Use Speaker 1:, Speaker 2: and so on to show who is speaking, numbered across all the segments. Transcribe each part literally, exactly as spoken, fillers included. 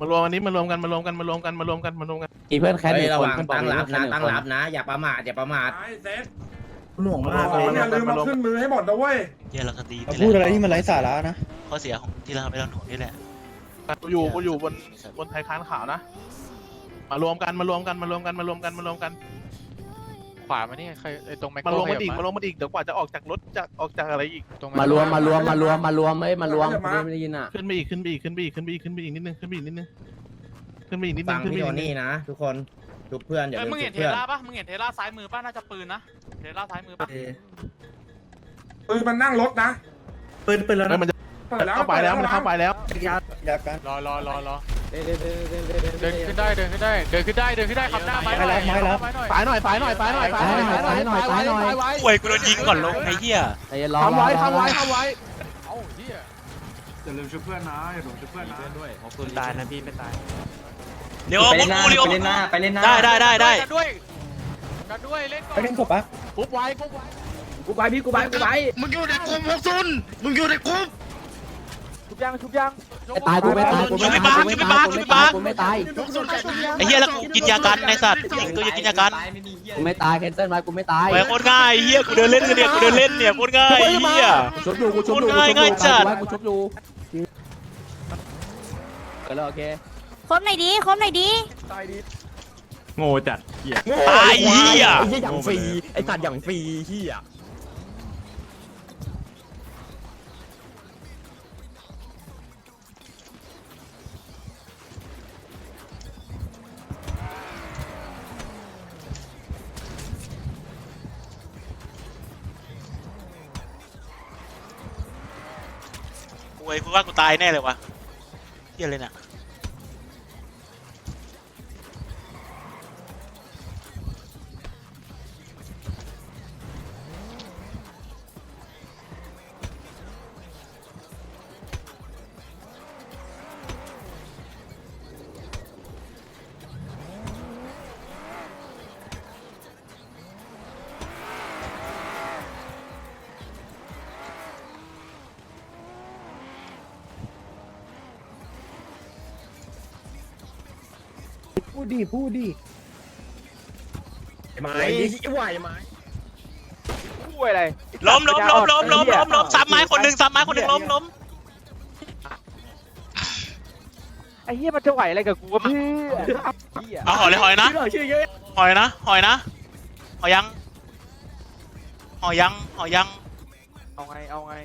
Speaker 1: มารวมกันนี้มารวมกันมารวมกันมารวมกันมารวมกันมารวมกัน
Speaker 2: มีเพื่อนแค่หนึ่ง
Speaker 3: ระ
Speaker 2: ค
Speaker 3: วัน ง
Speaker 2: เพื่อนบอก
Speaker 3: ตั้ง
Speaker 2: มี
Speaker 3: รับ
Speaker 2: เพื่อนแค่หนึ่ง
Speaker 3: นะตั้ง
Speaker 2: คน
Speaker 3: รับนะ อย่าประมาทอย่าประมาท
Speaker 4: หน่วงมาก
Speaker 1: มา
Speaker 4: เลย
Speaker 1: รวมกันมารวม
Speaker 5: ขึ้
Speaker 1: กัน
Speaker 5: นมือให้หมดนะเว้ย
Speaker 6: เฮียเราก็ตี
Speaker 4: พูดอะไรที่มันไร้สาระนะ
Speaker 6: ข้อเสียของที่เราทำไม่เราหนุนนี่แหละ
Speaker 1: กูอยู่กูอยู่บนบนไทยค้านขาวนะมารวมกันมารวมกันมารวมกันมารวมกันมารวมกัน
Speaker 7: ขวามานี่ใครไอ้ตรงแม็ก
Speaker 1: มารวม
Speaker 7: ข
Speaker 1: มา
Speaker 7: ยับ
Speaker 1: อีกมารวมมาอีกเดี๋ยวกว่าจะออกจากรถจะออกจากอะไรอีก
Speaker 7: ตรง
Speaker 2: มารวมมารวมมารวมมารวมเอ้ยมารวมไม่ได้ยินอ่ะ
Speaker 1: ขึ้นไปอีกขึ้นไปอีกขึ้นไปอีกขึ้นไปอีกขึ้นไปอีกนิดนึงขึ้นไปอีกนิดนึงขึ้นไปอีกนิดนึ
Speaker 3: ฟั
Speaker 1: ง
Speaker 3: ง
Speaker 1: ขึ้นไป
Speaker 3: พี่
Speaker 1: อี
Speaker 3: โท
Speaker 1: กนิดนึ
Speaker 3: นี่
Speaker 1: ง
Speaker 3: นะ ทุกคนทุกเพื่อนอย่าลืม
Speaker 8: มึง
Speaker 3: ทุ
Speaker 8: เห็น
Speaker 3: ก
Speaker 8: เท
Speaker 3: เพื่อน
Speaker 8: ล่าปะมึงเห็นเทล่าซ้ายมือปะน่าจะปืนนะเทล่าซ้ายมือปะ
Speaker 5: ปืนมันนั่งรถนะ
Speaker 4: ปืนปืนแล้ว
Speaker 1: เฮ้ย
Speaker 4: นะ
Speaker 1: มันจะ
Speaker 5: เปิดแล้ว
Speaker 1: เข้าไปแล้วมันเข้าไปแล้ว
Speaker 4: ยาอยากัน
Speaker 7: รอรอรอรอเดินขึ้นได้เดินขึ้นได้เดินขึ้นได้เดินขึ้นได้ขับหน้าไปหน่อยไปหน่อย
Speaker 1: ฝ่ายหน่อยฝ่ายหน่อยฝ่ายหน่อยฝ่ายหน่อยฝ่ายหน่อยฝ่ายหน่อยฝ่ายหน่อย
Speaker 6: ป่วยกูโดนยิงก่อนลงไอ้เหี้ย
Speaker 2: ใจเย็นรอ
Speaker 1: ทำไว้ทำไว้ทำไว้
Speaker 7: เอ้าเหี้ย
Speaker 5: อย่าลืมช่วยเพื่อนนะอย่าลืมช่วยเพื่อนนะ
Speaker 7: ตายนะพี่ไม่ตาย
Speaker 6: เดี๋ยวมึงกูเดี๋ยว
Speaker 3: ไปเล่นหน้าไปเล่นหน้า
Speaker 6: ได้ได้ได้ได้
Speaker 7: กันด้วยกันด้วยเล่นก่อ
Speaker 4: ไป
Speaker 7: น
Speaker 4: เล่นศพปะ
Speaker 1: ปุ๊บไว้ปุ๊บไว้
Speaker 3: กูไปพี่กูไปกูไป
Speaker 6: มึงอยู่ในกลุ่มพวกซุนมึงอยู่ในกลุ่ม
Speaker 7: ชุบยังชุบยัง
Speaker 2: ไม่ตายกูไม่ตายกูไม่ตายกูไม่ตายกูไม่ตายกูไม่ตาย
Speaker 6: ไอ้เหี้ยแล้วกูกินยากันในสัตว์ยิงตัวจะกินยากัน
Speaker 2: กูไม่ตายแคนเซิลไว้กูไม่ตาย
Speaker 6: ไปโคตรง่ายเหี้ยกูเดินเล่นกันเนี่ยกูเดินเล่นเนี่ยโคตรง่ายเหี้ย
Speaker 2: ชุบอยู่กูชุบอยู่
Speaker 6: ง่ายง่ายจัด
Speaker 2: กูชุบอยู่เกิดแล้วโอเค
Speaker 9: คมหน่อยดีคมหน่อยดี
Speaker 1: โง่จัดเหี้ย
Speaker 6: ตายเหี้ย
Speaker 2: ไอ้เหี้ยอย่างฟรีไอ้สัตว์อย่างฟรีเหี้ย
Speaker 6: กูไอ้กูว่ากูตายแน่เลยวะเหี้ยเลยน่ะ
Speaker 4: พูดดีพูดดี
Speaker 2: ไม้ไหวไหม
Speaker 7: คู่อะไร
Speaker 6: ล้มล้มล้มล้มล้มล้มล้มซ้ำไม้คนหนึ่งซ้ำไม้คนหนึ่งล้มล้ม
Speaker 7: ไอ้เหี้ยมันจะไหวอะไรกับกูวะพี่
Speaker 6: เอาหอยเลยหอยนะหอยนะหอยนะหอยยังหอยยังหอยยัง
Speaker 7: เอาไงเอาไง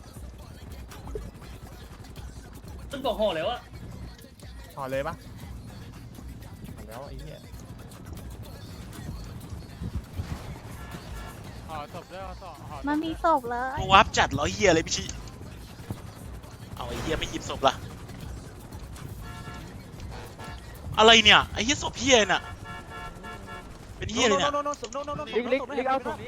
Speaker 8: ต้นบอกห่อแล้วอะ
Speaker 1: ถอดเลยปะถอดแล้วไอ้เหี้ย
Speaker 7: ห่อศพด้วยห่อศพห่อศพ
Speaker 9: มันมีศพเลย
Speaker 6: กูวับจัดร้อยเฮียเลยพี่ชิเอาไอ้เฮียไม่หยิบศพล่ะอะไรเนี่ยไอ้เฮียศพเฮียน่ะเป็นเฮียเลยเนี่ย
Speaker 7: ลิกลิกลิกเอาศพนี้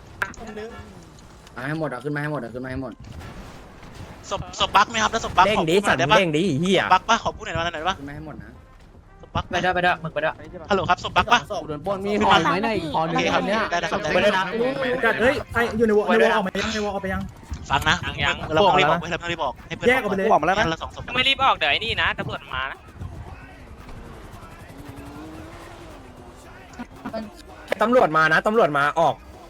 Speaker 3: มาให้หมดอ่ะขึ้นมาให้หมดอ่ะขึ้นมาให้หมด
Speaker 6: ศพศพบั๊กไหมครับแล้วศพบั๊ก
Speaker 2: เด้ง
Speaker 6: ขอ
Speaker 2: ดิ
Speaker 6: พูดหน่
Speaker 2: สั
Speaker 6: อ
Speaker 2: ต
Speaker 6: ย
Speaker 2: ว์
Speaker 6: ได้ปะ
Speaker 2: เด้งดิเหี้ย
Speaker 6: บั๊กปะขอพูดหน่อยว่าหน่อยได้ปะ
Speaker 3: ขึ้นมาให้หมดนะ
Speaker 6: ศพบั๊ก
Speaker 8: ไปได้ไปได้มึงไปได้
Speaker 6: ฮัลโหลครับศพบั๊กปะ
Speaker 2: โดนปล้นมีหอยไหมในอีกหอ
Speaker 6: โอ
Speaker 2: นึง
Speaker 6: เคครับ
Speaker 2: เนี้ย
Speaker 6: ได้ได้ครับได้
Speaker 2: ไม่ได้
Speaker 6: ได้
Speaker 2: นะ
Speaker 4: จัดเฮ้ยใครอยู่ในวอลในวอลออกมายังในวอลออกไปยัง
Speaker 6: ฟังนะเราต้องรีบบอกเราต้องรีบบอกให้เพื่อน
Speaker 4: แยกออกไปเลย
Speaker 6: บอกมาแล้วนะเราสองศพ
Speaker 8: ไม่รีบออกเดี๋ยวไอ้นี่นะตำรวจมานะ
Speaker 2: ตำรวจมานะตำรวจมาออก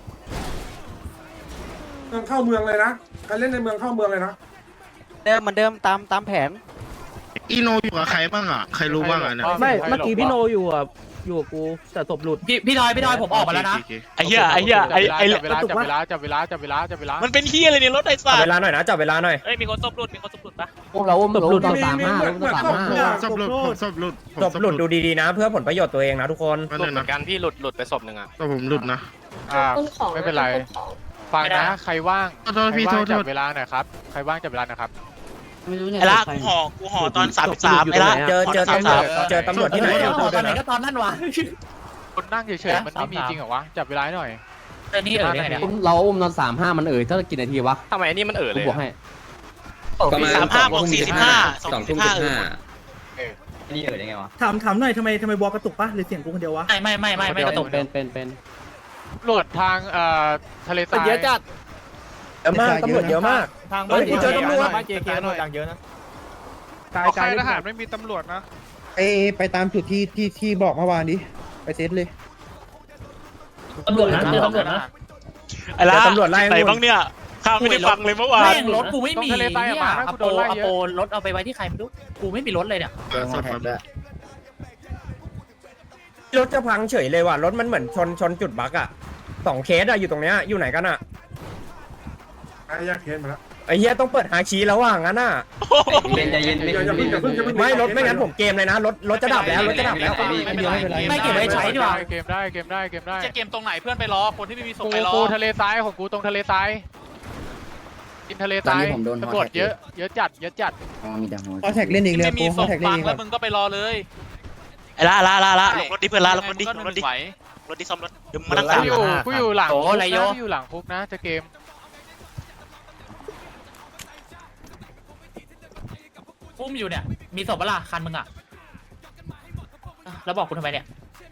Speaker 5: เมืองเข้าเมืองเลยนะใครเล่นในเมืองเข้าเมืองเลยนะ
Speaker 2: เดิมเหมือนเดิมตามตามแผน
Speaker 10: อีโนอยู่กับใครบ้างอ่ะ ใครรู้บ้างอ่ะเนี่ย
Speaker 2: ไม่เมื่อกี้พี่โนอยู่อ่ะอยู่กับกูแต่ศพหลุด
Speaker 8: พี่พี่ทอยพี่ทอยผมออกมาแล้วนะ
Speaker 10: โอเค
Speaker 6: ไอ้เหี้ยไอ้เหี้ยไอ้ไอ้
Speaker 7: จับเวลาจับเวลาจับเวลาจับเวลาจับเวลา
Speaker 6: มันเป็นเหี้ยอะไรเนี่ยรถไอ้สั
Speaker 2: จับ
Speaker 6: ต
Speaker 2: เว
Speaker 6: ว์
Speaker 2: ลาหน่อยนะจับเวลาหน่อย
Speaker 8: เอ้ยมีคนตบหลุดมีคนตบหลุดปะ
Speaker 2: พวกเราอุ้มเราอุ้มตอนสามห้า
Speaker 5: เหมื
Speaker 2: อุ้
Speaker 5: อน
Speaker 2: มตอน
Speaker 5: เหมื
Speaker 2: สา
Speaker 5: อน
Speaker 2: มห้า
Speaker 10: ศพหลุดผมศพหลุดผม
Speaker 2: ศพหลุดดูดีๆนะ เพื่อผลประโยชน์ตัวเองนะทุกคน
Speaker 10: นั่น
Speaker 8: หลุดเหมื
Speaker 10: นะ
Speaker 8: อนกันพี่หลุดหลุดไปศพหนึ่งอะ
Speaker 10: แต่ผมหลุดนะ
Speaker 7: อ่าไม่เป็นไรฟังนะใครว่าง
Speaker 10: โทษพี่
Speaker 7: ใคร
Speaker 10: โท
Speaker 7: ว่าง
Speaker 10: ษโท
Speaker 7: จับ
Speaker 10: ษ
Speaker 7: เวลาหน่อยครับใครว่างจับเวลาหน่อยครับ
Speaker 6: ไอ้ละกูห่อกูห่อตอนสามสิบสามไอ้ละ
Speaker 2: เจอเจอตำรวจเจอตำรวจที่ไหน
Speaker 8: ตอนไหนก็ตอนนั้นวะ
Speaker 7: คนนั่งเฉยๆมันไม่มีจริงเหรอวะจับเวลาหน่อย
Speaker 8: ไอ้นี่เออเนี่ย
Speaker 2: เราอุ้มตอนสามห้ามันเอ่ยเท่ากี่นาทีวะ
Speaker 8: ทำไมไอ้นี่มันเออ
Speaker 2: กู
Speaker 8: เลย
Speaker 2: บอกให้
Speaker 6: สามห้าบวกสี่สิบห้าสองสิบห้าเออ
Speaker 8: นี่เออยังไงวะ
Speaker 4: ถามถามหน่อยทำไมทำไมวอลกระตุกปะหรือเสียงกูคนเดียววะ
Speaker 8: ไม่ไม่ไม่ไม่ไม่กระตุก
Speaker 2: เป็นเป็นเป็น
Speaker 7: ตำรวจทางเอ่อทะเลทราย
Speaker 2: เยอะจัดเยอะมากตำรวจเยอะมาก
Speaker 8: ทาง
Speaker 2: เฮ้ยกูเจอตำรวจ
Speaker 8: บ้านเจเคตำรวจดังเยอะนะ
Speaker 4: กาย
Speaker 7: เอา
Speaker 4: กาย
Speaker 7: ค่ายทหารไม่มีตำรวจนะ
Speaker 4: เอไปตามจุดที่ที่ที่บอกเมื่อวานดิไปเซตเลย
Speaker 8: ตำรวจนะเจอตำรวจนะ
Speaker 6: ไอ้ละ
Speaker 3: ตำรวจไล่
Speaker 6: ไหนบ้างเนี่ยข้าวไม่ได้ฟังเลยเมื่อวาน
Speaker 8: แม่งรถกูไม่มีเนี่ยอโปอโปรถเอาไปไว้ที่ใครไม่รู้กูไม่มีรถเลยเนี่ย
Speaker 3: เจอฮอแท็กด้วยรถจะพังเฉยเลยว่ะรถมันเหมือนชนชนจุดบั๊กอ่ะสองเคสอ่ะอยู่ตรงเนี้ยอยู่ไหนกันอ่ะ
Speaker 5: ไอ้ยากเคสมาแล้ว
Speaker 3: ไอ้เหี้ยต้องเปิดหาคีย์แล้วว่ะงั้นอ่ะ
Speaker 8: เย็นใจเย็น
Speaker 5: อย่าอย่าเพิ่งอย่าเพิ่งอย่าเพิ่ง
Speaker 3: ไม่รถไม่งั้นผมเกมเลยนะรถรถจะดับแล้วรถจะดับแล้ว
Speaker 8: ไม่เก็บไว้ใช้ดีกว่า
Speaker 7: เกมได้เกมได้เกมได้
Speaker 6: จะเกมตรงไหนเพื่อนไปรอคนที่ไม่มีศพ
Speaker 7: กู
Speaker 6: ไปรอ
Speaker 7: กูทะเลทรายของกูตรงทะเลทรายกินทะเลทรายตำรวจเยอะเยอะจัดเยอะจัด
Speaker 3: อ๋อมีแต่ฮอ
Speaker 4: ฮอแท็กเล่นอีกเลย
Speaker 6: ไม่มี
Speaker 4: โป
Speaker 6: ศ
Speaker 4: ฮอ
Speaker 6: พ
Speaker 4: แท็กเล่น
Speaker 6: ฟัง
Speaker 4: อีก
Speaker 6: แล้วมึงก็ไปรอเลย
Speaker 2: ไอ้ละละละละลงรถดิเพื่อนละลงรถดิ
Speaker 6: ก็
Speaker 2: ลงรถดิ
Speaker 6: ไหว
Speaker 2: รถดิซ่อมรถเดี๋ยวมึงมานั่ง
Speaker 7: กู
Speaker 2: ตาม
Speaker 7: อยู่กูอยู่หลัง
Speaker 8: โอ้
Speaker 7: คุก
Speaker 8: ไร
Speaker 7: นะ
Speaker 8: โย
Speaker 7: กูอยู่หลังคุกนะจะเกม
Speaker 8: อุ้มอยู่เนี่ยมีศพปะล่ะคันมึงอ่ะแล้วบอกกูทำไมเนี่ย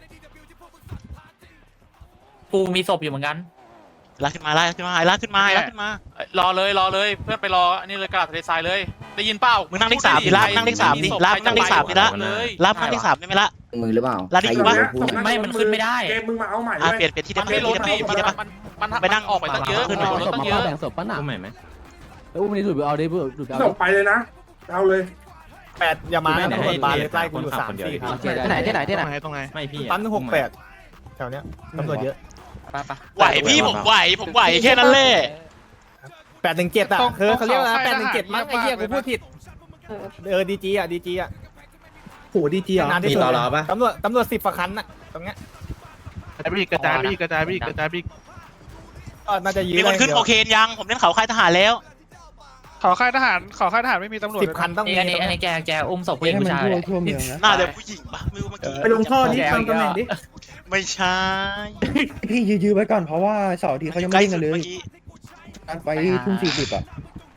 Speaker 8: กูมีศพอยู่เหมือนกัน
Speaker 2: ลากขึ้นมาลากขึ้นมาลากขึ้นมาลากขึ้นมาร
Speaker 6: อเลยรอเลยเพื่อนไปรออันนี้เลยกระดาษทะเลทรายเลย ได้ยินเปล่า
Speaker 2: มึงนั่งเลขสามดิลากนั่งเลขสามดิลากนั่งเลขสามดิละ
Speaker 6: เลย
Speaker 2: ลากนั่งเลขสามได้ไหมละ
Speaker 3: มือหรือเปล่า
Speaker 2: ลาดิ
Speaker 3: ใครอยู่
Speaker 2: วะ
Speaker 3: ในพูด
Speaker 8: ไม่มันขึ้นไม่ได้
Speaker 5: เกมมึงมาเอาใหม่
Speaker 2: อ่ะ
Speaker 5: เลย
Speaker 2: เปลี่ยนเปลี่ยนที่
Speaker 6: มั
Speaker 2: ได้
Speaker 6: น
Speaker 2: ปะ
Speaker 6: ไม่
Speaker 2: เปลี่ยน
Speaker 6: ลด
Speaker 2: ที่ได้
Speaker 6: ดิ
Speaker 2: ปะ
Speaker 6: มัน
Speaker 2: ที่ได้ปะ
Speaker 6: มันมัน
Speaker 2: ไปนั่ง
Speaker 6: ออกไปตั้งเยอะ
Speaker 2: ขึ้น
Speaker 6: รถตั้งเยอะ
Speaker 4: แบ่งศพปะน่ะ
Speaker 8: อุ้มใหม่ไหม
Speaker 4: แล้วอุ้มนี่หลุดไปเอาได้เพื่อหลุดไป
Speaker 5: ส่
Speaker 4: เอา
Speaker 5: งไปเลยนะเอาเลย
Speaker 4: แปดอย่ามาตำรวจมาเลยใกล้กูอยู่สามสี่ครับ
Speaker 2: ที่ไหนที่ไหนที่ไหน
Speaker 1: ตรงไหน
Speaker 8: ไม่พี่
Speaker 4: ปั๊มหนึ่งหกแปดแถวเนี้ยตำรวจเยอะ
Speaker 2: ไหวพี่ผมไหวผมไหวแค่นั้นแหละ
Speaker 4: แปดหนึ่งเจ็ดอ่ะคือเขาเรียกว่าแปดหนึ่งเจ็ดมั้งไอ้เหี้ยกูพูดผิดเออดีจีอ่ะดีจีอ่ะโหดีจีอ่ะนานที่สุดตำรวจตำรวจสิบฝาคันน่ะตรงเนี้ย
Speaker 1: กระจายไปอีกกระจายไปอีกกระจายไปอีกกระจายไปอีก
Speaker 4: ก็น่าจะยื
Speaker 2: มีคนขึ้นโคเคนยังผมเล่นเขาค่ายทหารแล้ว
Speaker 7: ขอค่ายทหารขอค่ายทหารไม่มีตำรวจ
Speaker 4: สิบคันต้องมี
Speaker 8: อันนี้อันนี้แกแกอุ้มศพผู้หญิงผู้ชาย
Speaker 4: ทั่วเมืองนะ
Speaker 2: น่าจะผู้หญิงปะไม่รู้เมื่อกี้
Speaker 4: ไปลงท่อนี้ตามตำแหน่งดิ
Speaker 2: ไม่ใช่
Speaker 4: พี่ยื้อๆไว้ก่อนเพราะว่าเสาร์อาทีเขายังไม่เล่นกันเลย
Speaker 2: เมื่อกี้
Speaker 4: การไปทุ่มสี่สิบอ่ะ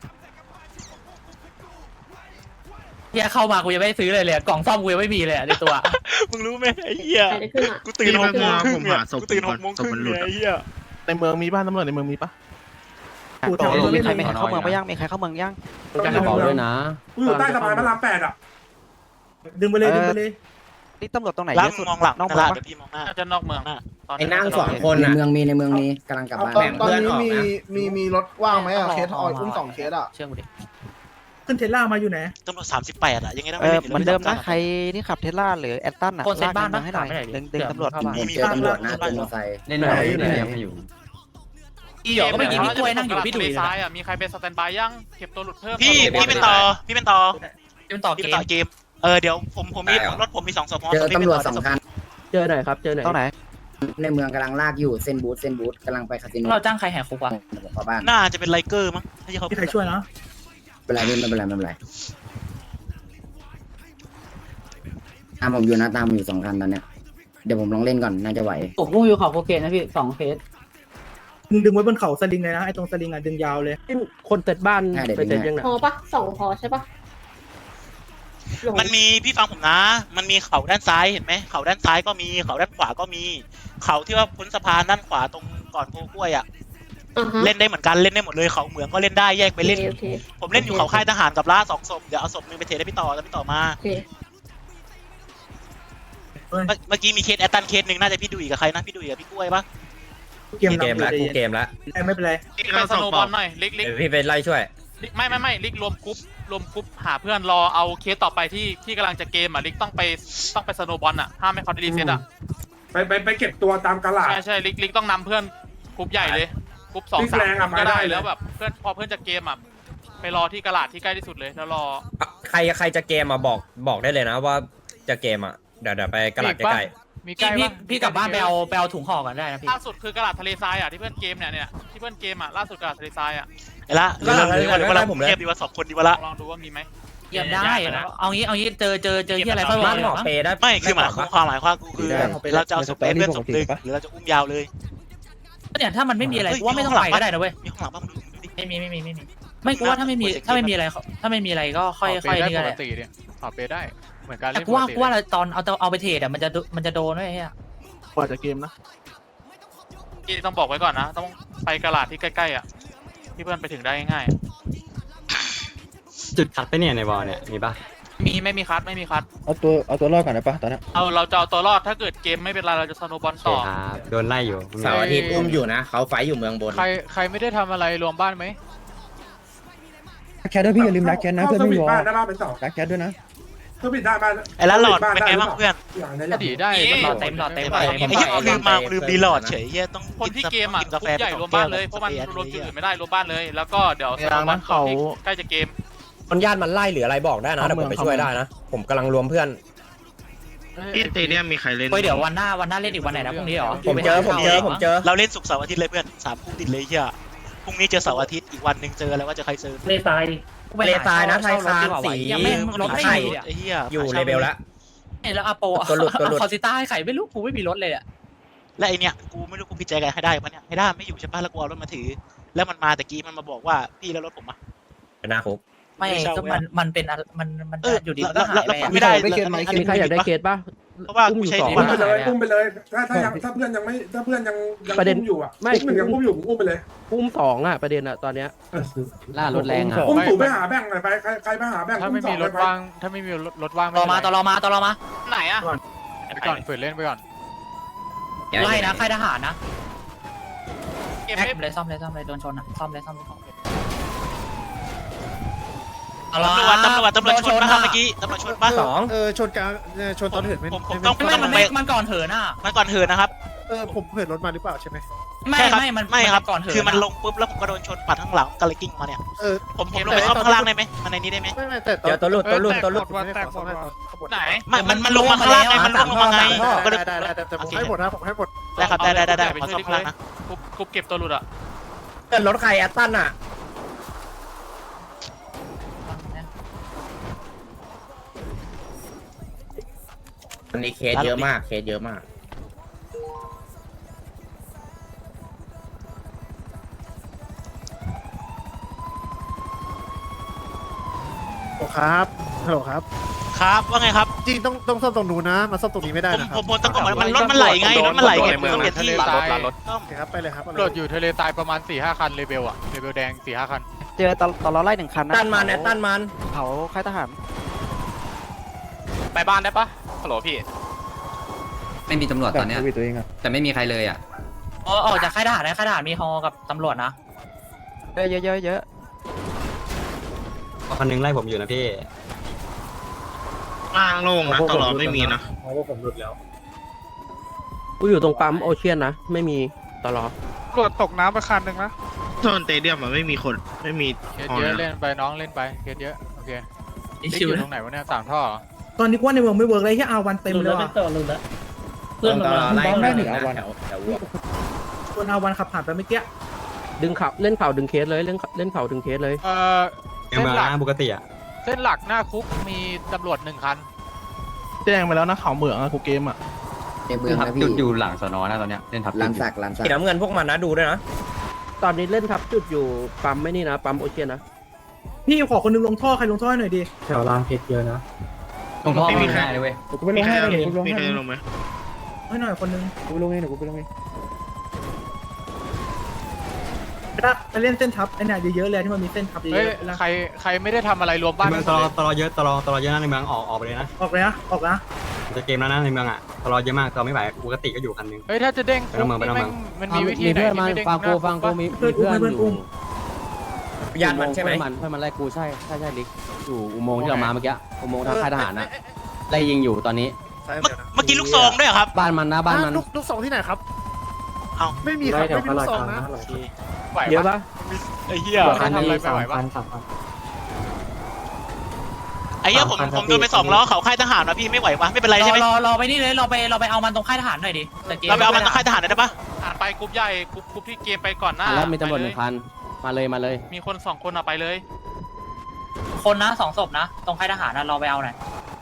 Speaker 8: เฮียเข้ามากูยังไม่ได้ซื้อเลยเลยกล่องซ่อมกูยังไม่มีเลยในตัว
Speaker 2: มึงรู้ไหมไอ้เหี้ยกูตื่นหกโมงครึ่งเนี่ยกูตื่นหกโมงครึ่งเนี่ยไอ้เหี้ย
Speaker 1: ในเมืองมีบ้านตำรวจในเมืองมีปะ
Speaker 4: กูต่อ
Speaker 2: มีใครไม่เข้าเมืองไปยังมีใครเข้าเมืองยัง
Speaker 5: การกระเป๋าด้วยนะกูอยู่ใต้สะพานพระรามแปดอ่ะ
Speaker 4: ดึงไปเลยดึงไปเลย
Speaker 2: นี่ตำรวจตรงไหนเยอะสุดมองหลังน้องมาเดี๋ยวพี่มองหน้า
Speaker 6: น่าจะนอกเมือง
Speaker 3: ไอ้นั่งสองคนในเมืองมีในเมืองมีกำลังกลับบ้าน
Speaker 10: ตอนนี้มีมีมีรถว่างไหมอ่ะเคสออยอุ้มสองเคสอ่ะ
Speaker 8: เชื่อกูดิ
Speaker 4: ขึ้นเทสลามาอยู่ไหน
Speaker 2: ตำรวจสามสิบแปดอะยังไงต้อง
Speaker 11: เออเหมือนเดิมนะใครที่ขับเทสลาหรือแอตตันอ่ะ
Speaker 8: คนเซ็นบ้าน
Speaker 11: ล
Speaker 8: ปะ
Speaker 11: กให้หน่อย
Speaker 8: ถามไม่ได้ดิ
Speaker 11: ดึงดึงตำรวจ
Speaker 8: เข้ามา
Speaker 3: เจอตำรวจนะเป็นมอเตอร์ไซค์
Speaker 8: เล่นหน่อยอยู่อีหยอกก็ไม่กินพี่กล้วยนั่งอยู่พี่ดุย
Speaker 6: ซ้ายอ่ะมีใครเป็นสแตนบายยังเก็บตัวหลุดเพิ่ม
Speaker 2: พี่พี่เป็นต่อพี่เป็นต่อ
Speaker 8: เป็นต่อ
Speaker 2: พี่
Speaker 8: เก
Speaker 2: เป็นต่อ
Speaker 8: ม
Speaker 2: เกมเออเดี๋ยวผมผมมีรถผมมีสองสมอ
Speaker 3: เจอตำรวจสองคัน
Speaker 4: เจอหน่อยครับเจอหน่อย
Speaker 11: ตรงไหน
Speaker 3: ในเมืองกำลังลากอยู่เส้นบูธเส้นบูธกำลังไปคาสิโน
Speaker 8: เราจ้างใครแหกคุกวะ
Speaker 3: เข้าบ้าน
Speaker 2: น่าจะเป็นไลเกอร์มั้งที่เขา
Speaker 4: มีใครช่วยนะ
Speaker 3: ไม่เป็นไรไม่เป็นไรไม่เป็นไรตามผมอยู่นะตามผมอยู่สองคันตอนเนี้ยเดี๋ยวผมลองเล่นก่อนน่าจะไหว
Speaker 8: ผมงูอยู่เขาโคเคนนะพี่สองเคส
Speaker 4: มึงดึงไว้บนเขาสลิงเลยนะไอ้ตรงสลิงอ่ะดึงยาวเลยคนเต็ดบ้านไปเต็ดยังไง
Speaker 9: พอปะสองพอใช่ปะ
Speaker 2: มันมีพี่ฟังผมนะ มันมีเขาด้านซ้ายเห็นไหมเขาด้านซ้ายก็มีเขาด้านขวาก็มี เขาที่ว่าพ้นสะพานด้านขวาตรงก่อนโพกล้วยอ่ะเล่นได้เหมือนกันเล่นได้หมดเลยเขาเหมืองก็เล่นได้แยกไปเล่น ผมเล่นอยู่เขาค่ายทหารกับล่าสองศพเดี๋ยวเอาศพนึงไปเทได้พี่ต่อแล้วพี่ต่อมาเมื่อกี้มีเคสแอตตันเคสหนึ่งน่าจะพี่ดุยกับใครนะพี่ดุยกับพี่กล้วยปะ
Speaker 4: เกมเกมแล้วกูเกมแล้วไม่เป็นไร
Speaker 6: ลิกไปสโนบอลหน่อยลิกลิก
Speaker 3: พี่ไปไล่ช่วย
Speaker 6: ไม่ไม่ไม่ลิกรวมกรุ๊ปรวมกรุ๊ปหาเพื่อนรอเอาเคสต่อไปที่ที่กำลังจะเกมอ่ะลิกต้องไปต้องไปสโนบอลอ่ะห้ามไม่เขาได้รีเซ็ตอ่ะ
Speaker 5: ไปไปไปเก็บตัวตามกระลาด
Speaker 6: ใช่ใช่ลิกลิกต้องนำเพื่อนกรุ๊ปใหญ่เลยกรุ๊ปสอง
Speaker 5: ลิก
Speaker 6: สาม
Speaker 5: แรงอะ
Speaker 6: ก็ได้
Speaker 5: มาได้เลย
Speaker 6: แล้วแบบเพื่อนพอเพื่อนจะเกมอ่ะไปรอที่กระลาดที่ใกล้ที่สุดเลยแล้วรอ
Speaker 3: ใครใครจะเกมอ่ะบอกบอกได้เลยนะว่าจะเกมอ่ะเดี๋ยวเดี๋ยวไปกระดาษใกล้
Speaker 7: มีใกล้
Speaker 8: พี่
Speaker 7: ปะ
Speaker 8: พี่กลับบ้านไปเอาไปเอาถุงห่อกันได้นะพี่
Speaker 6: ล่าสุดคือกระลาดทะเลทรายอ่ะที่เพื่อนเกมเนี่ยเนี่ยที่เพื่อนเกมอ่ะล่าสุดกระลาดทะเลทรายอ่ะ
Speaker 2: ไอ้ละหรือหรือว่าหรือว่าเราเทียบดีว่าสองคนดีวะละ
Speaker 6: ลองดูว่ามีไหม
Speaker 8: เยี่ยมได้เอางี้เอางี้เจอเจอเจอที่อะไรค่อย
Speaker 3: ๆ
Speaker 8: ว่า
Speaker 3: บ้านหมอเปได้
Speaker 2: ไม่คือหมายความหมายความกูคือเราจะเอาศพไปเพื่อนศพหนึ่งหรือเราจะอุ้มยาวเลย
Speaker 8: เนี่ยถ้ามันไม่มีอะไรกูว่าไม่ต้องไปก็ได้นะเว้ย
Speaker 2: มีข้างหลังบ้างดูดิ
Speaker 8: ไม่มีไม่มีไม่มีไม่กูว่าถ้าไม่มีถ้าไม่มีอะไรถ้าไม่มีอะไรก็ค่อย
Speaker 7: ข
Speaker 8: ค่อย
Speaker 7: เป
Speaker 8: นี่
Speaker 7: ได้
Speaker 8: ก็
Speaker 7: ป
Speaker 8: ได้
Speaker 7: กติเนี่ยขอเปได้เหมือนการ
Speaker 8: แต่
Speaker 7: เล่น
Speaker 8: กูว่ากูว่าเราตอนเอาเอาไปเทรดอ่ะมันจะมันจะโดนด้วยเฮีย
Speaker 1: กว่าจะเกมนะ
Speaker 6: ที่ต้องบอกไว้ก่อนนะต้องไปกระลาดที่ใกล้ๆอ่ะที่เพื่อนไปถึงได้ง่าย
Speaker 8: จุดขัดไปเนี่ยในบอลเนี่ยมีป่ะมีไม่มีคัดไม่มีคัด
Speaker 11: เอาตัวเอาตัวรอดก่อนได้ปะตอนนี้
Speaker 8: เอาเราจะเอาตัวรอดถ้าเกิดเกมไม่เป็นไรเราจะสโนบอลต่อ
Speaker 11: โดนไล่อยู่
Speaker 7: เสาร์อาทิตย์อุ้มอยู่นะ
Speaker 11: เขาไฟอยู่เมืองบน
Speaker 7: ใครใครไม่ได้ทำอะไรรวมบ้านไหม
Speaker 11: แคทด้วยพี่อย่าลืมรักแคทนะเพื่อน
Speaker 5: เข้าส
Speaker 11: ไม่
Speaker 5: วิต
Speaker 11: วอ
Speaker 5: บ้านได้บ้างเป็นสอง
Speaker 11: รักแคทด้วยนะ
Speaker 5: สวิตได้บ้าน
Speaker 2: ไอ้ละหลอดเป็นไงบ้างเพื่อน
Speaker 5: อย่างนี้
Speaker 7: ก็ดีได้
Speaker 8: หลอดเต็มหลอดเต็มหลอด
Speaker 2: ไอ้
Speaker 8: เต็ม
Speaker 2: เหี้ยลืมมาลืมรีหลอดเฉยเหี้ยต้อง
Speaker 8: คนที่เกมอ่ะ
Speaker 2: กินกาแฟ
Speaker 8: ใหญ่รวมบ้านเลยเพราะมันรวมจุดอื่นไม่ได้รวมบ้านเลย แล้วก็เดี๋ยวสโนบอลต่อที่ใกล้จะเกม
Speaker 3: มันญาติมันไล่หรืออะไรบอกได้นะเดี๋ยวผมไปช่วยได้นะ ผมกำลังรวมเพื่อน
Speaker 10: ที่สเตเดียมมีใครเล่น
Speaker 8: เฮ้ยเดี๋ยววันหน้าวันหน้าเล่นอีกวันไหนนะพรุ่งนี้เหรอ
Speaker 3: ผมเจอผมเจอผมเจอ
Speaker 2: เราเล่นศุกร์เสาร์อาทิตย์เลยเพื่อนสามคู่ติดเลยเหี้ยพรุ่งนี้เจอเสาร์อาทิตย์อีกวันหนึ่งเจออะไรว่าจะใครเจอ
Speaker 8: เล่นตายดิ
Speaker 3: เลทายนะไทยคานสี
Speaker 8: ยังไม่รถไม่
Speaker 3: ไข่
Speaker 8: อยู่
Speaker 2: ไอ้เหี้ย
Speaker 3: อยู่เลเวลแล้ว
Speaker 8: แล้วอาโป
Speaker 3: ตัวหลุดตัวหลุด
Speaker 8: คอซิต้าให้ไข่ไม่รู้กูไม่มีรถเลยอ่ะ
Speaker 2: และไอเนี้ยกูไม่รู้กูพิจารณาให้ได้ปะเนี่ยให้ได้ไม่อยู่ใช่ปะแล้วกูเอารถมาถือ แล้วมันมาแต่กี้มันมาบอกว่าพี่แล้วรถผมอะ
Speaker 3: เป็นหน้าคุก
Speaker 8: ไม่ก็มันมันเป็นอะไรมันมัน
Speaker 2: เออ
Speaker 8: อยู่ดี
Speaker 2: แล้
Speaker 8: ก็
Speaker 2: ว
Speaker 8: หาย
Speaker 2: แล้ว
Speaker 8: ไป
Speaker 2: ไม่ได้
Speaker 11: ไม่เกณฑ์ไหม
Speaker 2: อันนี้
Speaker 11: ใครอยากได้เคสป่ะ
Speaker 2: เพราะว่ากูใช้
Speaker 5: อุ้มไปเลยอุ้มไปเลยถ้าถ้ายังถ้าเพื่อนยังไม่ถ้าเพื่อนยังยังอุ้มอยู่อ่ะไม่หนึ่งยังอุ้มอยู่อุ้มไปเลย
Speaker 11: อุ้มสองอ่ะประเด็นอ่ะตอนเนี้ย ล่ารถแรงอ่ะ
Speaker 5: อุ้มถูไปหาแบ่งหน่อยไปใครใครไปหาแบ่ง
Speaker 7: ถ้า
Speaker 5: อุ้
Speaker 7: ไม่
Speaker 5: มสอ
Speaker 7: มี
Speaker 5: ง
Speaker 7: ร
Speaker 5: ไป
Speaker 7: ถ
Speaker 5: ไป
Speaker 7: ว่างถ้าไม่มีรถว่าง
Speaker 8: ต่อมาต่อรอมาต่อรอมาไหนอ่ะ
Speaker 7: ไปก่อนฝืนเล่นไปก่อน
Speaker 8: ไล่นะค่ายทหารนะแม็กเลยซ่อมเลยซ่อมเลยโดนชนอ่ะซ่อมเลยซ่อมเลยซ่อมเลยเอาละ
Speaker 2: ตำรวจตำรวจตำรวจชนปะครับเมื่อกี้ตำรวจชนปะ
Speaker 3: สอง
Speaker 11: เออชนกลางชนตอนเหินไม่
Speaker 2: ผมผมต้อง
Speaker 8: ไม่มันไม่มันก่อนเหินอ่ะ
Speaker 2: มันก่อนเหินนะครับ
Speaker 11: เออผมเหินรถมาหรือเปล่าใช่ไหม
Speaker 8: ไม่
Speaker 2: ใช่ครับ
Speaker 8: ไม่มัน
Speaker 2: ไม่ครับ
Speaker 8: ก่อนเหิน
Speaker 2: คือมันลงปุ๊บแล้วผมก็โดนชนปัดข้างหลังก็เลยกิ้งมาเนี่ย
Speaker 11: เออ
Speaker 2: ผมผมลงไปซ่อมข้างล่างได้ไหมมันในนี้ได้ไหม
Speaker 11: ไม่ไม่แต่
Speaker 3: เดี๋ยวตัวหลุดตัวหลุดตัวหลุด
Speaker 11: แตกหมด
Speaker 8: ไหน
Speaker 2: ไม่มันมันลงมาข้างล่างไงมันลงมาไงก็เลย
Speaker 11: ได้ได้ได้แต่ผมให้หมดนะผมให้หมด
Speaker 2: ได้ครับได้ได้ได้ได้ขอซ่อมข้างล่างนะ
Speaker 8: คุบคุบเก็บตัวหลุดอ่ะ
Speaker 3: เกิดรถใครแอตตันอ่ะ
Speaker 11: วันนี้เคสเยอะมากเคสเยอะมากครับฮัลโหลครับ
Speaker 2: ครับว่าไงครับ
Speaker 11: จริงต้องต้องซ่อมตรงนู้นนะมาซ่อมตรงนี้ไม่ได้
Speaker 2: ผม
Speaker 11: นะค
Speaker 2: ผ
Speaker 11: รับ
Speaker 2: มผมตะโกนมันมันรถมันไหลไงรถมันไหลไงผมต้องเปลี่ยนที่
Speaker 7: ทะเลทราย
Speaker 2: ต้อง
Speaker 11: โอเคครับไปเลยครับ
Speaker 7: ตำรวจอยู่ทะเลทรายประมาณสี่ห้าคันเลเวลอะเลเวลแดงสี่ห้าคัน
Speaker 11: เจอตอนตอนเราไล่หนึ่งคันนะ
Speaker 3: ตันมันแอตตันมัน
Speaker 11: เผาค่ายทหาร
Speaker 8: ไปบ้านได้ปะฮัลโหลพี่
Speaker 11: ไม่มีตำรวจตอนเนี้ยตัวเองอะแต่ไม่มีใครเลยอ่ะ
Speaker 8: อ๋อออกจากค่ายทหารนะค่ายทหารมีฮอกับตำรวจนะ
Speaker 11: เยอะเยอะเยอะเยอะคันนึงไล่ผมอยู่นะพี่
Speaker 10: ล่างโล่งนะตลอดไม่มีนะ
Speaker 11: กูอยู่ตรงปั๊มโอเชียนนะไม่มีตลอด
Speaker 7: ตำรวจตกน้ำไปคันหนึ่งนะ
Speaker 10: โซนสเตเดียมมันไม่มีคนไม่มี
Speaker 7: เคส
Speaker 10: ฮอ
Speaker 7: เยอะ
Speaker 10: นะ
Speaker 7: เล่นไปน้องเล่นไปเคสเยอะโอเค
Speaker 8: อี
Speaker 7: ติ๊ก
Speaker 8: ชิว
Speaker 7: อยู่
Speaker 8: นะ
Speaker 7: ตรงไหนวะเนี่ยสามท่อเหรอ
Speaker 4: ตอนนี้ว่าในเมืองไม่เวิร์กเลยที่เอาวันเต็มเลยว่ะ
Speaker 8: เพื่อนมันมา
Speaker 11: บ้องได้หนึ่งอาวัน
Speaker 4: คนเอาวันขับผ่านไปเมื่อกี้
Speaker 11: ดึงเขาเล่นเข่าดึงเคสเลยเล่นเล่นเข่าดึงเคสเลย
Speaker 7: เออเส้นหลัก
Speaker 11: ปกติอ่ะ
Speaker 7: เส้นหลักหน้าคุกมีตำรวจหนึ่งคัน
Speaker 1: แจ้งไปแล้วนะเขาเหมืองอะกูเกมอะ
Speaker 11: ในเมืองนะพี่จุดอยู่หลังสนอนะตอนเนี้ยเล่นทับลันสักลันสัก
Speaker 3: สีน้ำเงินพวกมันนะดูด้วยนะ
Speaker 11: ตอนนี้เล่นทับจุดอยู่ปั๊มไม่นี่นะปั๊มโอเชียนนะ
Speaker 4: พี่ขอคนนึงลงท่อใครลงท่อให้หน่อยดิ
Speaker 11: แถวรางเพชรเยอะนะตรงท่อไม่ได้เลยเว้ยกูไปล
Speaker 10: มี
Speaker 11: ง
Speaker 10: ใคร
Speaker 11: ให้
Speaker 10: ลง
Speaker 11: กูลง
Speaker 10: มีใคร
Speaker 11: ให้
Speaker 10: ลงไหม
Speaker 4: ให้หน่อยคนนึง
Speaker 11: กูไปลงให้หนูกูไปลงให้
Speaker 4: ถ้าไปเล่นเส้นทับไอ้เนี่ยเยอะๆเลยที่มันมีเส้นทับเย
Speaker 7: เฮ้ย
Speaker 4: อะๆแล้ว
Speaker 7: ใครใครไม่ได้ทำอะไรรวมบ้าน
Speaker 11: เมืองตลอตลอเยอะตลอตลอเยอะนะในเมืองออกออกไปเลยนะ
Speaker 4: ออกเลยนะออกนะ
Speaker 11: จะเกมแล้วนะในเมืองอ่ะตลอเยอะมากตลอไม่ไหวปกติก็อยู่คันนึง
Speaker 7: เฮ้ยถ้าจะเด้งคุก
Speaker 11: ไปต้องเมือง
Speaker 7: นี่แม่งมันมีวิธีไหนที่ไม่เด้งหน้าคุกปะ
Speaker 4: เพื่อนอุ้มให้เพื่อนอุ้ม
Speaker 3: ญาติมันใช่ไหม
Speaker 11: มันเพื่อนมันไล่กูใช่ใช่ใช่ลิกอยู่อุโมงค์ที่เรามาเมื่อกี้อุโมงค์ทางค่ายทหารนะไล่ยิงอยู่ตอนนี้
Speaker 2: เมื่อกี้ลูกซองด้วยครับ
Speaker 11: บ้านมันนะบ้านมัน
Speaker 10: ลูกลูกสองที่ไหนครับ
Speaker 2: เอา
Speaker 10: ไม่มีครับไม่มีลูกสองนะ
Speaker 7: ไหว
Speaker 11: เยอะ
Speaker 7: ปะ
Speaker 11: ปะ
Speaker 7: ไอ้เหี้ยใครทำอะไรไม่ไหวปะ
Speaker 2: ไอ้เหี้ยผมผมโดนไปสองล้อเขาค่ายทหารนะพี่ไม่ไหวปะไม่เป็นไร
Speaker 8: ร
Speaker 2: ใช่
Speaker 8: อ
Speaker 2: ไหม
Speaker 8: รอรอไปนี่เลยเราไปเราไปเอามันตรงค่ายทหารหน่อยดิแต่เกม
Speaker 2: เราไปเอามันต้องค่ายทหารได้ปะ
Speaker 8: อ่านไปกรุ๊ปใหญ่กรุ๊ปกรุ๊ปที่เกมไปก่อนหน้า
Speaker 11: แล้วมีตำรวจหนึ่งคันมาเลยมาเลย
Speaker 8: มีคนสองคนเอาไปเลย คนนะสองศพนะตรงค่ายทหารนะเราไปเอาหน่อย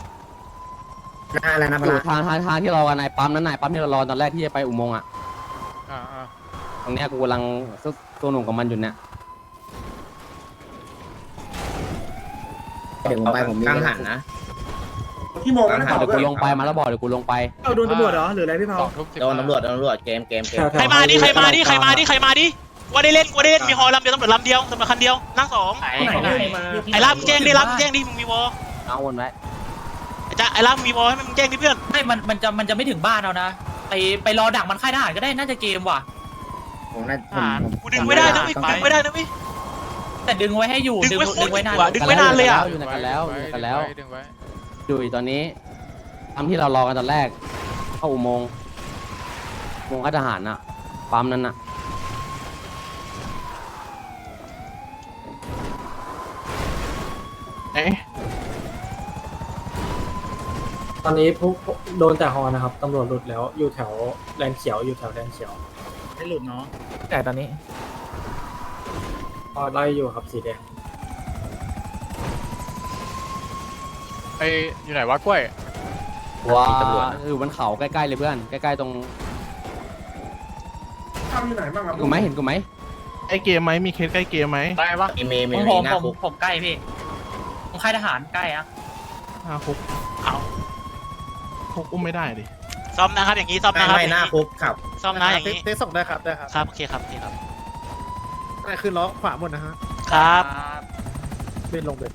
Speaker 3: อะไรนะ
Speaker 11: อยู่ทางทางทางที่รอกันนายปั๊มนั้นนายปั๊มที่เรารอตอนแรกที่จะไปอุโมงค์อ่ะ
Speaker 7: อ่าอ่า
Speaker 11: ตรงเนี้ยกูกำลังตัวหนุ่มกับมันอยู่เนี่ย
Speaker 3: เดี๋ยวผมไปผมมีกังหันนะ
Speaker 5: ที่โมงนะ
Speaker 11: เดี๋ยวกูลงไปมาแล้วบอกเดี๋ยวกูลงไป
Speaker 4: เอาโดนตำรวจเหรอหรืออะไรพี่เผา
Speaker 7: สองทุ่มสิบ
Speaker 3: โดนตำรวจโดนตำรวจเกมเกมเกม
Speaker 2: ใครมาดิใครมาดิใครมาดิใครมาดิกูได้เล่นกูได้เล่นมีฮอลำเดียวตำรวจลำเดียวตำรวจคันเดียวนั่งสอง
Speaker 8: ไหนไหน
Speaker 2: ไอ้รับแจ้งดิรับแจ้งดิมึงมีวอ
Speaker 11: เอาวนไว้
Speaker 2: ไอ้จ้าไอ้ล่างมีบอลให้มึงแจ้งดิเพื่อน
Speaker 8: ไม่มันมันจะมันจะไม่ถึงบ้านเรานะไปไปรอดักมันค่ายทหารก็ได้น่าจะเกมว่ะ
Speaker 11: ผมน่า
Speaker 6: อ่า
Speaker 2: กูดึงไม่ได้นะเว้ยกูดึงไม่ได้นะเว้ย
Speaker 8: แต่ดึงไว้ให้อยู่
Speaker 2: ดึงไว้โคตร
Speaker 8: ดึงไว้นาน
Speaker 2: อยู่อะ ดึงไม่นานเลยอะ
Speaker 11: อยู่ในกันแล้วอยู่ในกันแล้ว
Speaker 7: ดึงไว้
Speaker 11: ดูตอนนี้ทำที่เรารอกันตอนแรกเข้าอุโมงค์อุโมงค์ค่ายทหารน่ะปั๊มนั้นน่ะ
Speaker 1: เอ๊ะ
Speaker 4: ตอนนี้พวกโดนแต่ฮอนะครับตำรวจหลุดแล้วอยู่แถวแลนเขียวอยู่แถวแลนเขียว
Speaker 6: ไม่หลุดเนาะ
Speaker 4: แต่ตอนนี้พอไล่อยู่ครับสีแดง
Speaker 7: ไออยู่ไหนวะกล้วย
Speaker 11: ว้าอยู่บนเขาใกล้ๆเลยเพื่อนใกล้ๆตรง
Speaker 5: ทำอยู่ไหนบ้างครับ
Speaker 11: กูไหมเห็นกูไหม
Speaker 1: ไอเกมไหมมีเคสใกล้เกมไหม
Speaker 7: ได้ปะ
Speaker 8: ผมผมผมผมใกล้พี่ผมค่ายทหารใกล้อะ
Speaker 1: ห้าคุก
Speaker 2: เอา
Speaker 1: คุกอุ้มไม่ได้ดิ
Speaker 2: ซ่อมนะครับอย่างนี้ซ่อมนะครับ
Speaker 10: ไม่หน้าคุกครับ
Speaker 2: ซ่อมนะอย่างนี้
Speaker 4: เทสส่งได้ครับได้ครับ
Speaker 2: ครับโอเคครับโอเคครับ
Speaker 4: ได้ขึ้นล้อขวาหมดนะฮะ
Speaker 2: ครับ
Speaker 4: เบนลงเบน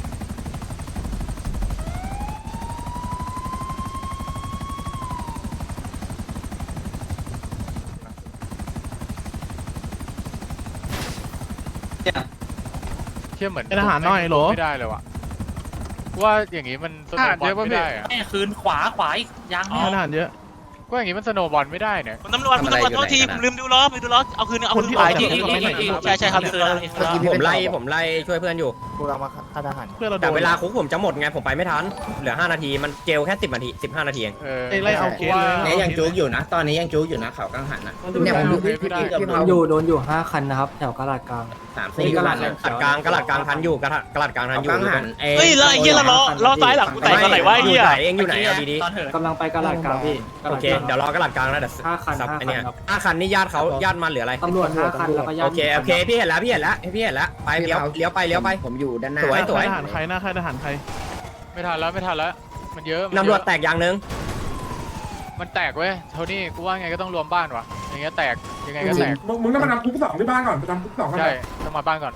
Speaker 7: เชื่อเหมือน
Speaker 1: เป็นทหารหน่อยเหรอ
Speaker 7: ไม่ได้เลยว่ะว่าอย่างงี้มันสโนว์บอลไม่ได้อะ
Speaker 8: แม่คืนขวาขวาอีกยัง
Speaker 1: ทหารเยอะ
Speaker 7: ก็อย่างงี้มันสโนว์บอลไม่ได้เนี่ย
Speaker 2: คุณตำรวจคุณตำรวจโทษทีผมลืมดูล้อไปดูล้อเอาคืนเอา
Speaker 1: คน
Speaker 2: คืน
Speaker 1: ที่
Speaker 2: ไป
Speaker 1: ออกจาก
Speaker 2: ที่
Speaker 1: คุกไม่ได้
Speaker 2: ใช่ใช่ครับลืมล้อลืมล้อ
Speaker 3: ผมไล่ผมไล่ช่วยเพื่อนอยู่
Speaker 4: กูกำลังมาค่ายทหาร
Speaker 1: เพื่อนเราโด
Speaker 3: แต่
Speaker 1: น
Speaker 3: เวลาคุกผมจะหมดไงผมไปไม่ทันเหลือห้านาทีมันเจลแค่สิบนาทีสิบห้านาทีเอง
Speaker 7: เออ
Speaker 1: ไอ้ไล่เอาเคสเลย
Speaker 10: เนี่ยยังจุกอยู่นะ ตอนนี้ยังจุกอยู่นะเขากังหันนะ
Speaker 7: เนี่ยผมดูพี่พี่พี่
Speaker 4: โดนอยู่โดนอยู่ห้าคันนะครับแถวกระดาษกลาง
Speaker 10: สาม
Speaker 3: นี่
Speaker 10: สี่
Speaker 3: กระหลัด
Speaker 10: เลย
Speaker 3: กระหลัดกลางกระหลัดกลางทันอยู่กระหลัดกระหลัดกลางทัน
Speaker 10: เขา
Speaker 3: อยู่
Speaker 10: กังหัน
Speaker 2: เฮ้ยแล้วไอ้เหี้ยเราล้อล้อซ้ายหลังกูแตกตอนไหนวะไอ้เหี้ย
Speaker 3: เองอยู่ไหนเอาดี
Speaker 8: ตอนเถิด
Speaker 4: กำลังไปกระดาษกลางพี่
Speaker 3: ๆโอเคเดี๋ยวรอกระหลัดกลางนะเดี๋ยว
Speaker 4: ห้าคัน
Speaker 3: ซับ
Speaker 4: ห้า
Speaker 3: ไอ้
Speaker 4: คั
Speaker 3: เนี่ย
Speaker 4: นครับ
Speaker 3: ห้าคันนี่ญาติเขาญาติมันเหลืออะไร
Speaker 4: ตำรวจห้าคันแล้วก็ญาติ
Speaker 3: โอเคโอเคพี่เห็นแล้วพี่เห็นแล้วพี่เห็นแล้วไปเลี้ยวเลี้ยวไปเลี้ยวไป
Speaker 10: ผมอยู่ด้านหน้า
Speaker 3: สวยสวย
Speaker 1: ทหารใครหน้าค่ายทหารใคร
Speaker 7: ไม่ทันแล้วไม่ทันแล้วมันเยอะมันเยอะ
Speaker 3: ตำรวจแตกอย่างหนึง
Speaker 7: มันแตกเว้ยโทนี่กูว่าไงก็ต้องรวมบ้านว่ะอย่างเงี้ยแตกยังไงก็แตก
Speaker 5: มึงมึงต้องมาทำคุกสองที่บ้านก่อนไปทำคุกสองกัน
Speaker 7: ใช่
Speaker 5: ไป
Speaker 7: ต้องมาบ้านก่อน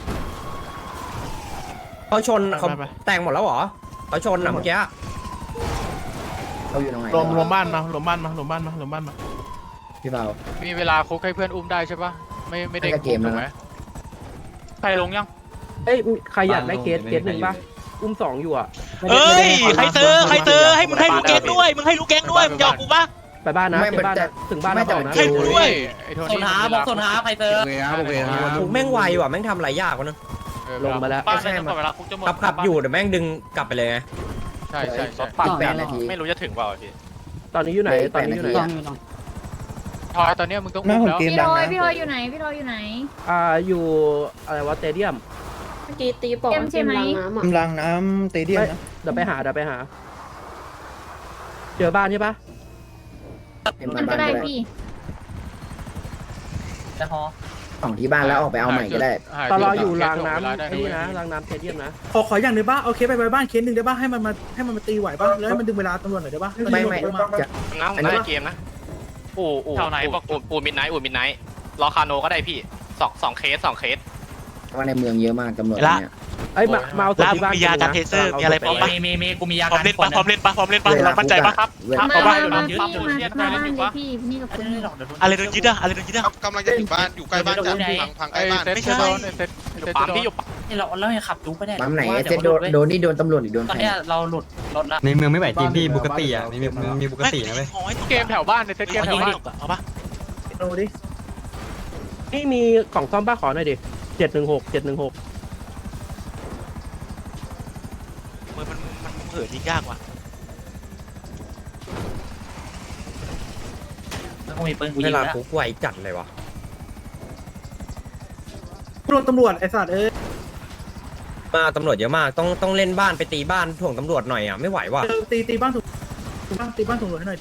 Speaker 3: เขาชนเขาแตกหมดแล้วเหรอเขาชนอ่ะเมื่อกี้
Speaker 10: เขาอยู่ตรงไหน
Speaker 1: รวมรวมบ้านมารวมบ้านมารวมบ้านมารวมบ้านมา
Speaker 10: พี่เปา
Speaker 7: มีเวลาคุกให้เพื่อนอุ้มได้ใช่ปะไม่ไม่ได้
Speaker 10: ให้กับเกม
Speaker 7: ถูกไหม
Speaker 10: นะ
Speaker 6: ใครลงยัง
Speaker 3: เอ้ยใครอยากได้เคสเคสหนึ่งป่ะอุ้มสองอยู่อ่ะ
Speaker 2: เอ้ยใครเซอร์ใครเซอร์ให้มึงให้ลูกแก๊งด้วยมึงให้ลูกแก๊งด้วยมึงยอมกูปะ
Speaker 3: ไปบ้านนะ
Speaker 10: ไม่
Speaker 3: ไป
Speaker 10: มัน
Speaker 3: บ้าน
Speaker 10: จะ
Speaker 3: นะถึงบ้าน
Speaker 10: ไม่
Speaker 3: แล้ว
Speaker 10: แต่
Speaker 3: บอกนะ
Speaker 2: ให้กูด้วย
Speaker 7: ไอ้โท
Speaker 8: ส
Speaker 7: นี่
Speaker 8: นหาบอกสนหาใครเจอ
Speaker 3: ถูกแม่งไวว่ะแม่งทำอะไรยากวะเนอะ
Speaker 7: ลงมาแล้ว
Speaker 6: บ้านได้จนกว่าเวลาคุกจะหมด
Speaker 3: ขับขับอยู่เดี๋ยวแม่งดึงกลับไปเลยไง
Speaker 7: ใช่ใช่ใช่
Speaker 10: ปัดแปดนาที
Speaker 6: ไม่รู้จะถึงเปล่าพี่
Speaker 3: ตอนนี้อยู่ไหนตอนนี้อยู่ไหน
Speaker 7: ทอยตอนเนี้ยมึงต้องอุ้มแล้ว
Speaker 9: พี่ทอยพี่ทอยอยู่ไหนพี่ทอยอยู่ไหน
Speaker 3: อ่าอยู่อะไรวะสเตเดียม
Speaker 9: เมื่อกี้ตีปอกใช่ไหม
Speaker 10: กำลังน้ำเตเดียมนะ
Speaker 3: เดี๋ยวไปหาเดี๋ยวไปหา เจอบ้านใช่ปะ
Speaker 9: มันก็ได้พี่
Speaker 8: แล้วฮอ
Speaker 10: ของที่บ้านแล้วออกไปเอาใหม่ก็ได้
Speaker 3: ตอนเราอยู่รางน้ำไอ้นี่นะรางน้ำสเตเดียมนะ
Speaker 4: ขอขออย่างหนึ่งบ้าโอเคไปไปบ้านเคสหนึ่งได้บ้าให้มันมาให้มันมาตีไหวบ้าแล้วให้มันดึงเวลาตำรวจหน่อยได้บ้า
Speaker 10: ไม่ไม่จะ
Speaker 6: น้ำได้เกมนะอู่อู่แถวไหนบอกอู่อู่มิดไนท์อู่มิดไนท์รอคาโนก็ได้พี่สองสองเคสสองเคส
Speaker 10: ว่าในเมืองเยอะมากตำรวจเนี่ย
Speaker 3: ไอ้มามาเอาตัว
Speaker 2: แล้ว
Speaker 3: ที่บ้าน
Speaker 2: มียากันเทเซอร์มีอะไรพร้อมปะ
Speaker 8: มีมีมีกูมียา
Speaker 2: พร้อ
Speaker 8: กาม ร
Speaker 2: เล่น
Speaker 8: ค
Speaker 2: ปะ
Speaker 8: น
Speaker 2: พร้อมเล่นปะพร้อมเล่นปะเรามั่นใจปะครับ
Speaker 10: เวลา
Speaker 9: มา
Speaker 2: เอา
Speaker 9: มา
Speaker 2: ปะ
Speaker 9: มาพี่มามาบ้านเลยพี่นี่กับคุณ
Speaker 2: อะไรโดนยึดอะอะไรโดนยึดอะ
Speaker 6: กำลังจะถึงบ้านอยู่ใกล้บ้านจัดพังพังใก
Speaker 7: ไอ้
Speaker 6: ล้บ้าน
Speaker 7: เซ็ต
Speaker 2: ไม่ใช่
Speaker 7: จะโดนไอ้เซ็ตไอ้เซ็ต
Speaker 6: ปั๊
Speaker 7: จะ
Speaker 6: ม
Speaker 7: โดน
Speaker 6: ที่อยู่
Speaker 8: นี่เราเรายังขับดูไปได้
Speaker 10: ปั๊มไหนเซ็ตโดนโดนนี่โดนตำรวจหรือโดน
Speaker 8: ตอน
Speaker 10: ใคร
Speaker 8: เนี้ยเราหลุดรถละ
Speaker 11: ในเมืองไม่ไหวจริงพี่บุกติอ่ะมีมีบุกตินะเว้ย
Speaker 7: เกมแถวบ้านในเซ็ตเกมแถวบ้าน
Speaker 2: เอาปะ
Speaker 3: ดูดินี่มีกล่องซ่อมบ้าขอหน่อยดิเจ็ดหนึ่งหกเจ็ดหนึ่งหก
Speaker 2: มันมันมันเหินยิงยากว่ะ
Speaker 8: แล้วก็มีปืนกู
Speaker 3: เว
Speaker 8: ยิง
Speaker 3: ลา
Speaker 8: แล้ว
Speaker 3: คุกไวจัดเลยวะ
Speaker 4: โดนตำรวจไอ้สัตว์เอ้ย
Speaker 3: มาตำรวจเยอะมากต้องต้องเล่นบ้านไปตีบ้านถ่วงตำรวจหน่อยอ่ะไม่ไหวว่ะ
Speaker 4: ตีตีบ้านถูกบ้านตีบ้านถูกหลวให้หน่อย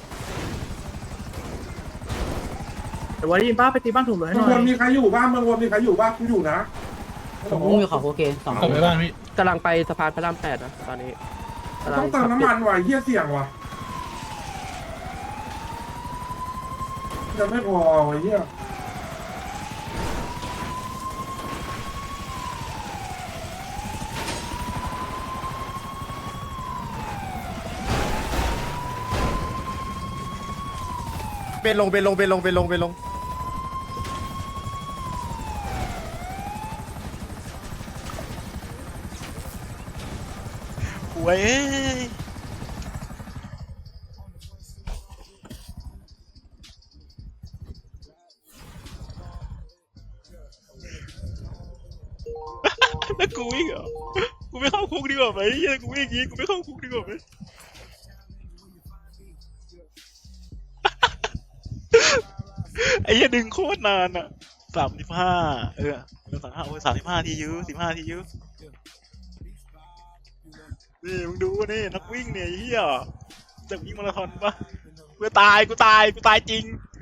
Speaker 4: แต่ว่าได้ยินป้าไปตีบ้านถูกหลวให้ห
Speaker 5: เมื
Speaker 4: น่
Speaker 5: อง
Speaker 4: อ
Speaker 5: วน
Speaker 4: ย
Speaker 5: มีใครอยู่บ้างเมืองวนมีใครอยู่บ้างกูอยู่นะ
Speaker 3: ผมอยู่ของโอเคสอง
Speaker 1: ผมไปบ้านพี่
Speaker 3: กำลังไปสะพานพระรามแปดนะตอนนี้กำลั
Speaker 5: ต้องเติมน้ำมันว่ะเฮียเสี่ยงว่ะจะไม่พอไอ้เฮีย
Speaker 4: ตเป็นลงเป็นลงเป็นลงเป็นลงเป็นลง
Speaker 6: หวยเอ้ยแล้วกูวิ่งเหรอกูไม่เข้าคุกดีกว่าไหมเฮียกูวิ่งอย่างงี้กูไม่เข้าคุกดีกว่าไหมไอ้เหี้ยดึงโคตรนานอ่ะสามสิบห้าเออสามห้าโอ้ยสามสิบห้าทียูสิบห้าทียูนี่มึงดูนี่นักวิ่งเนี่ยไอ้เหี้ยจะวิ่งมาราธอนปะกูตายกูตายกูตายจริง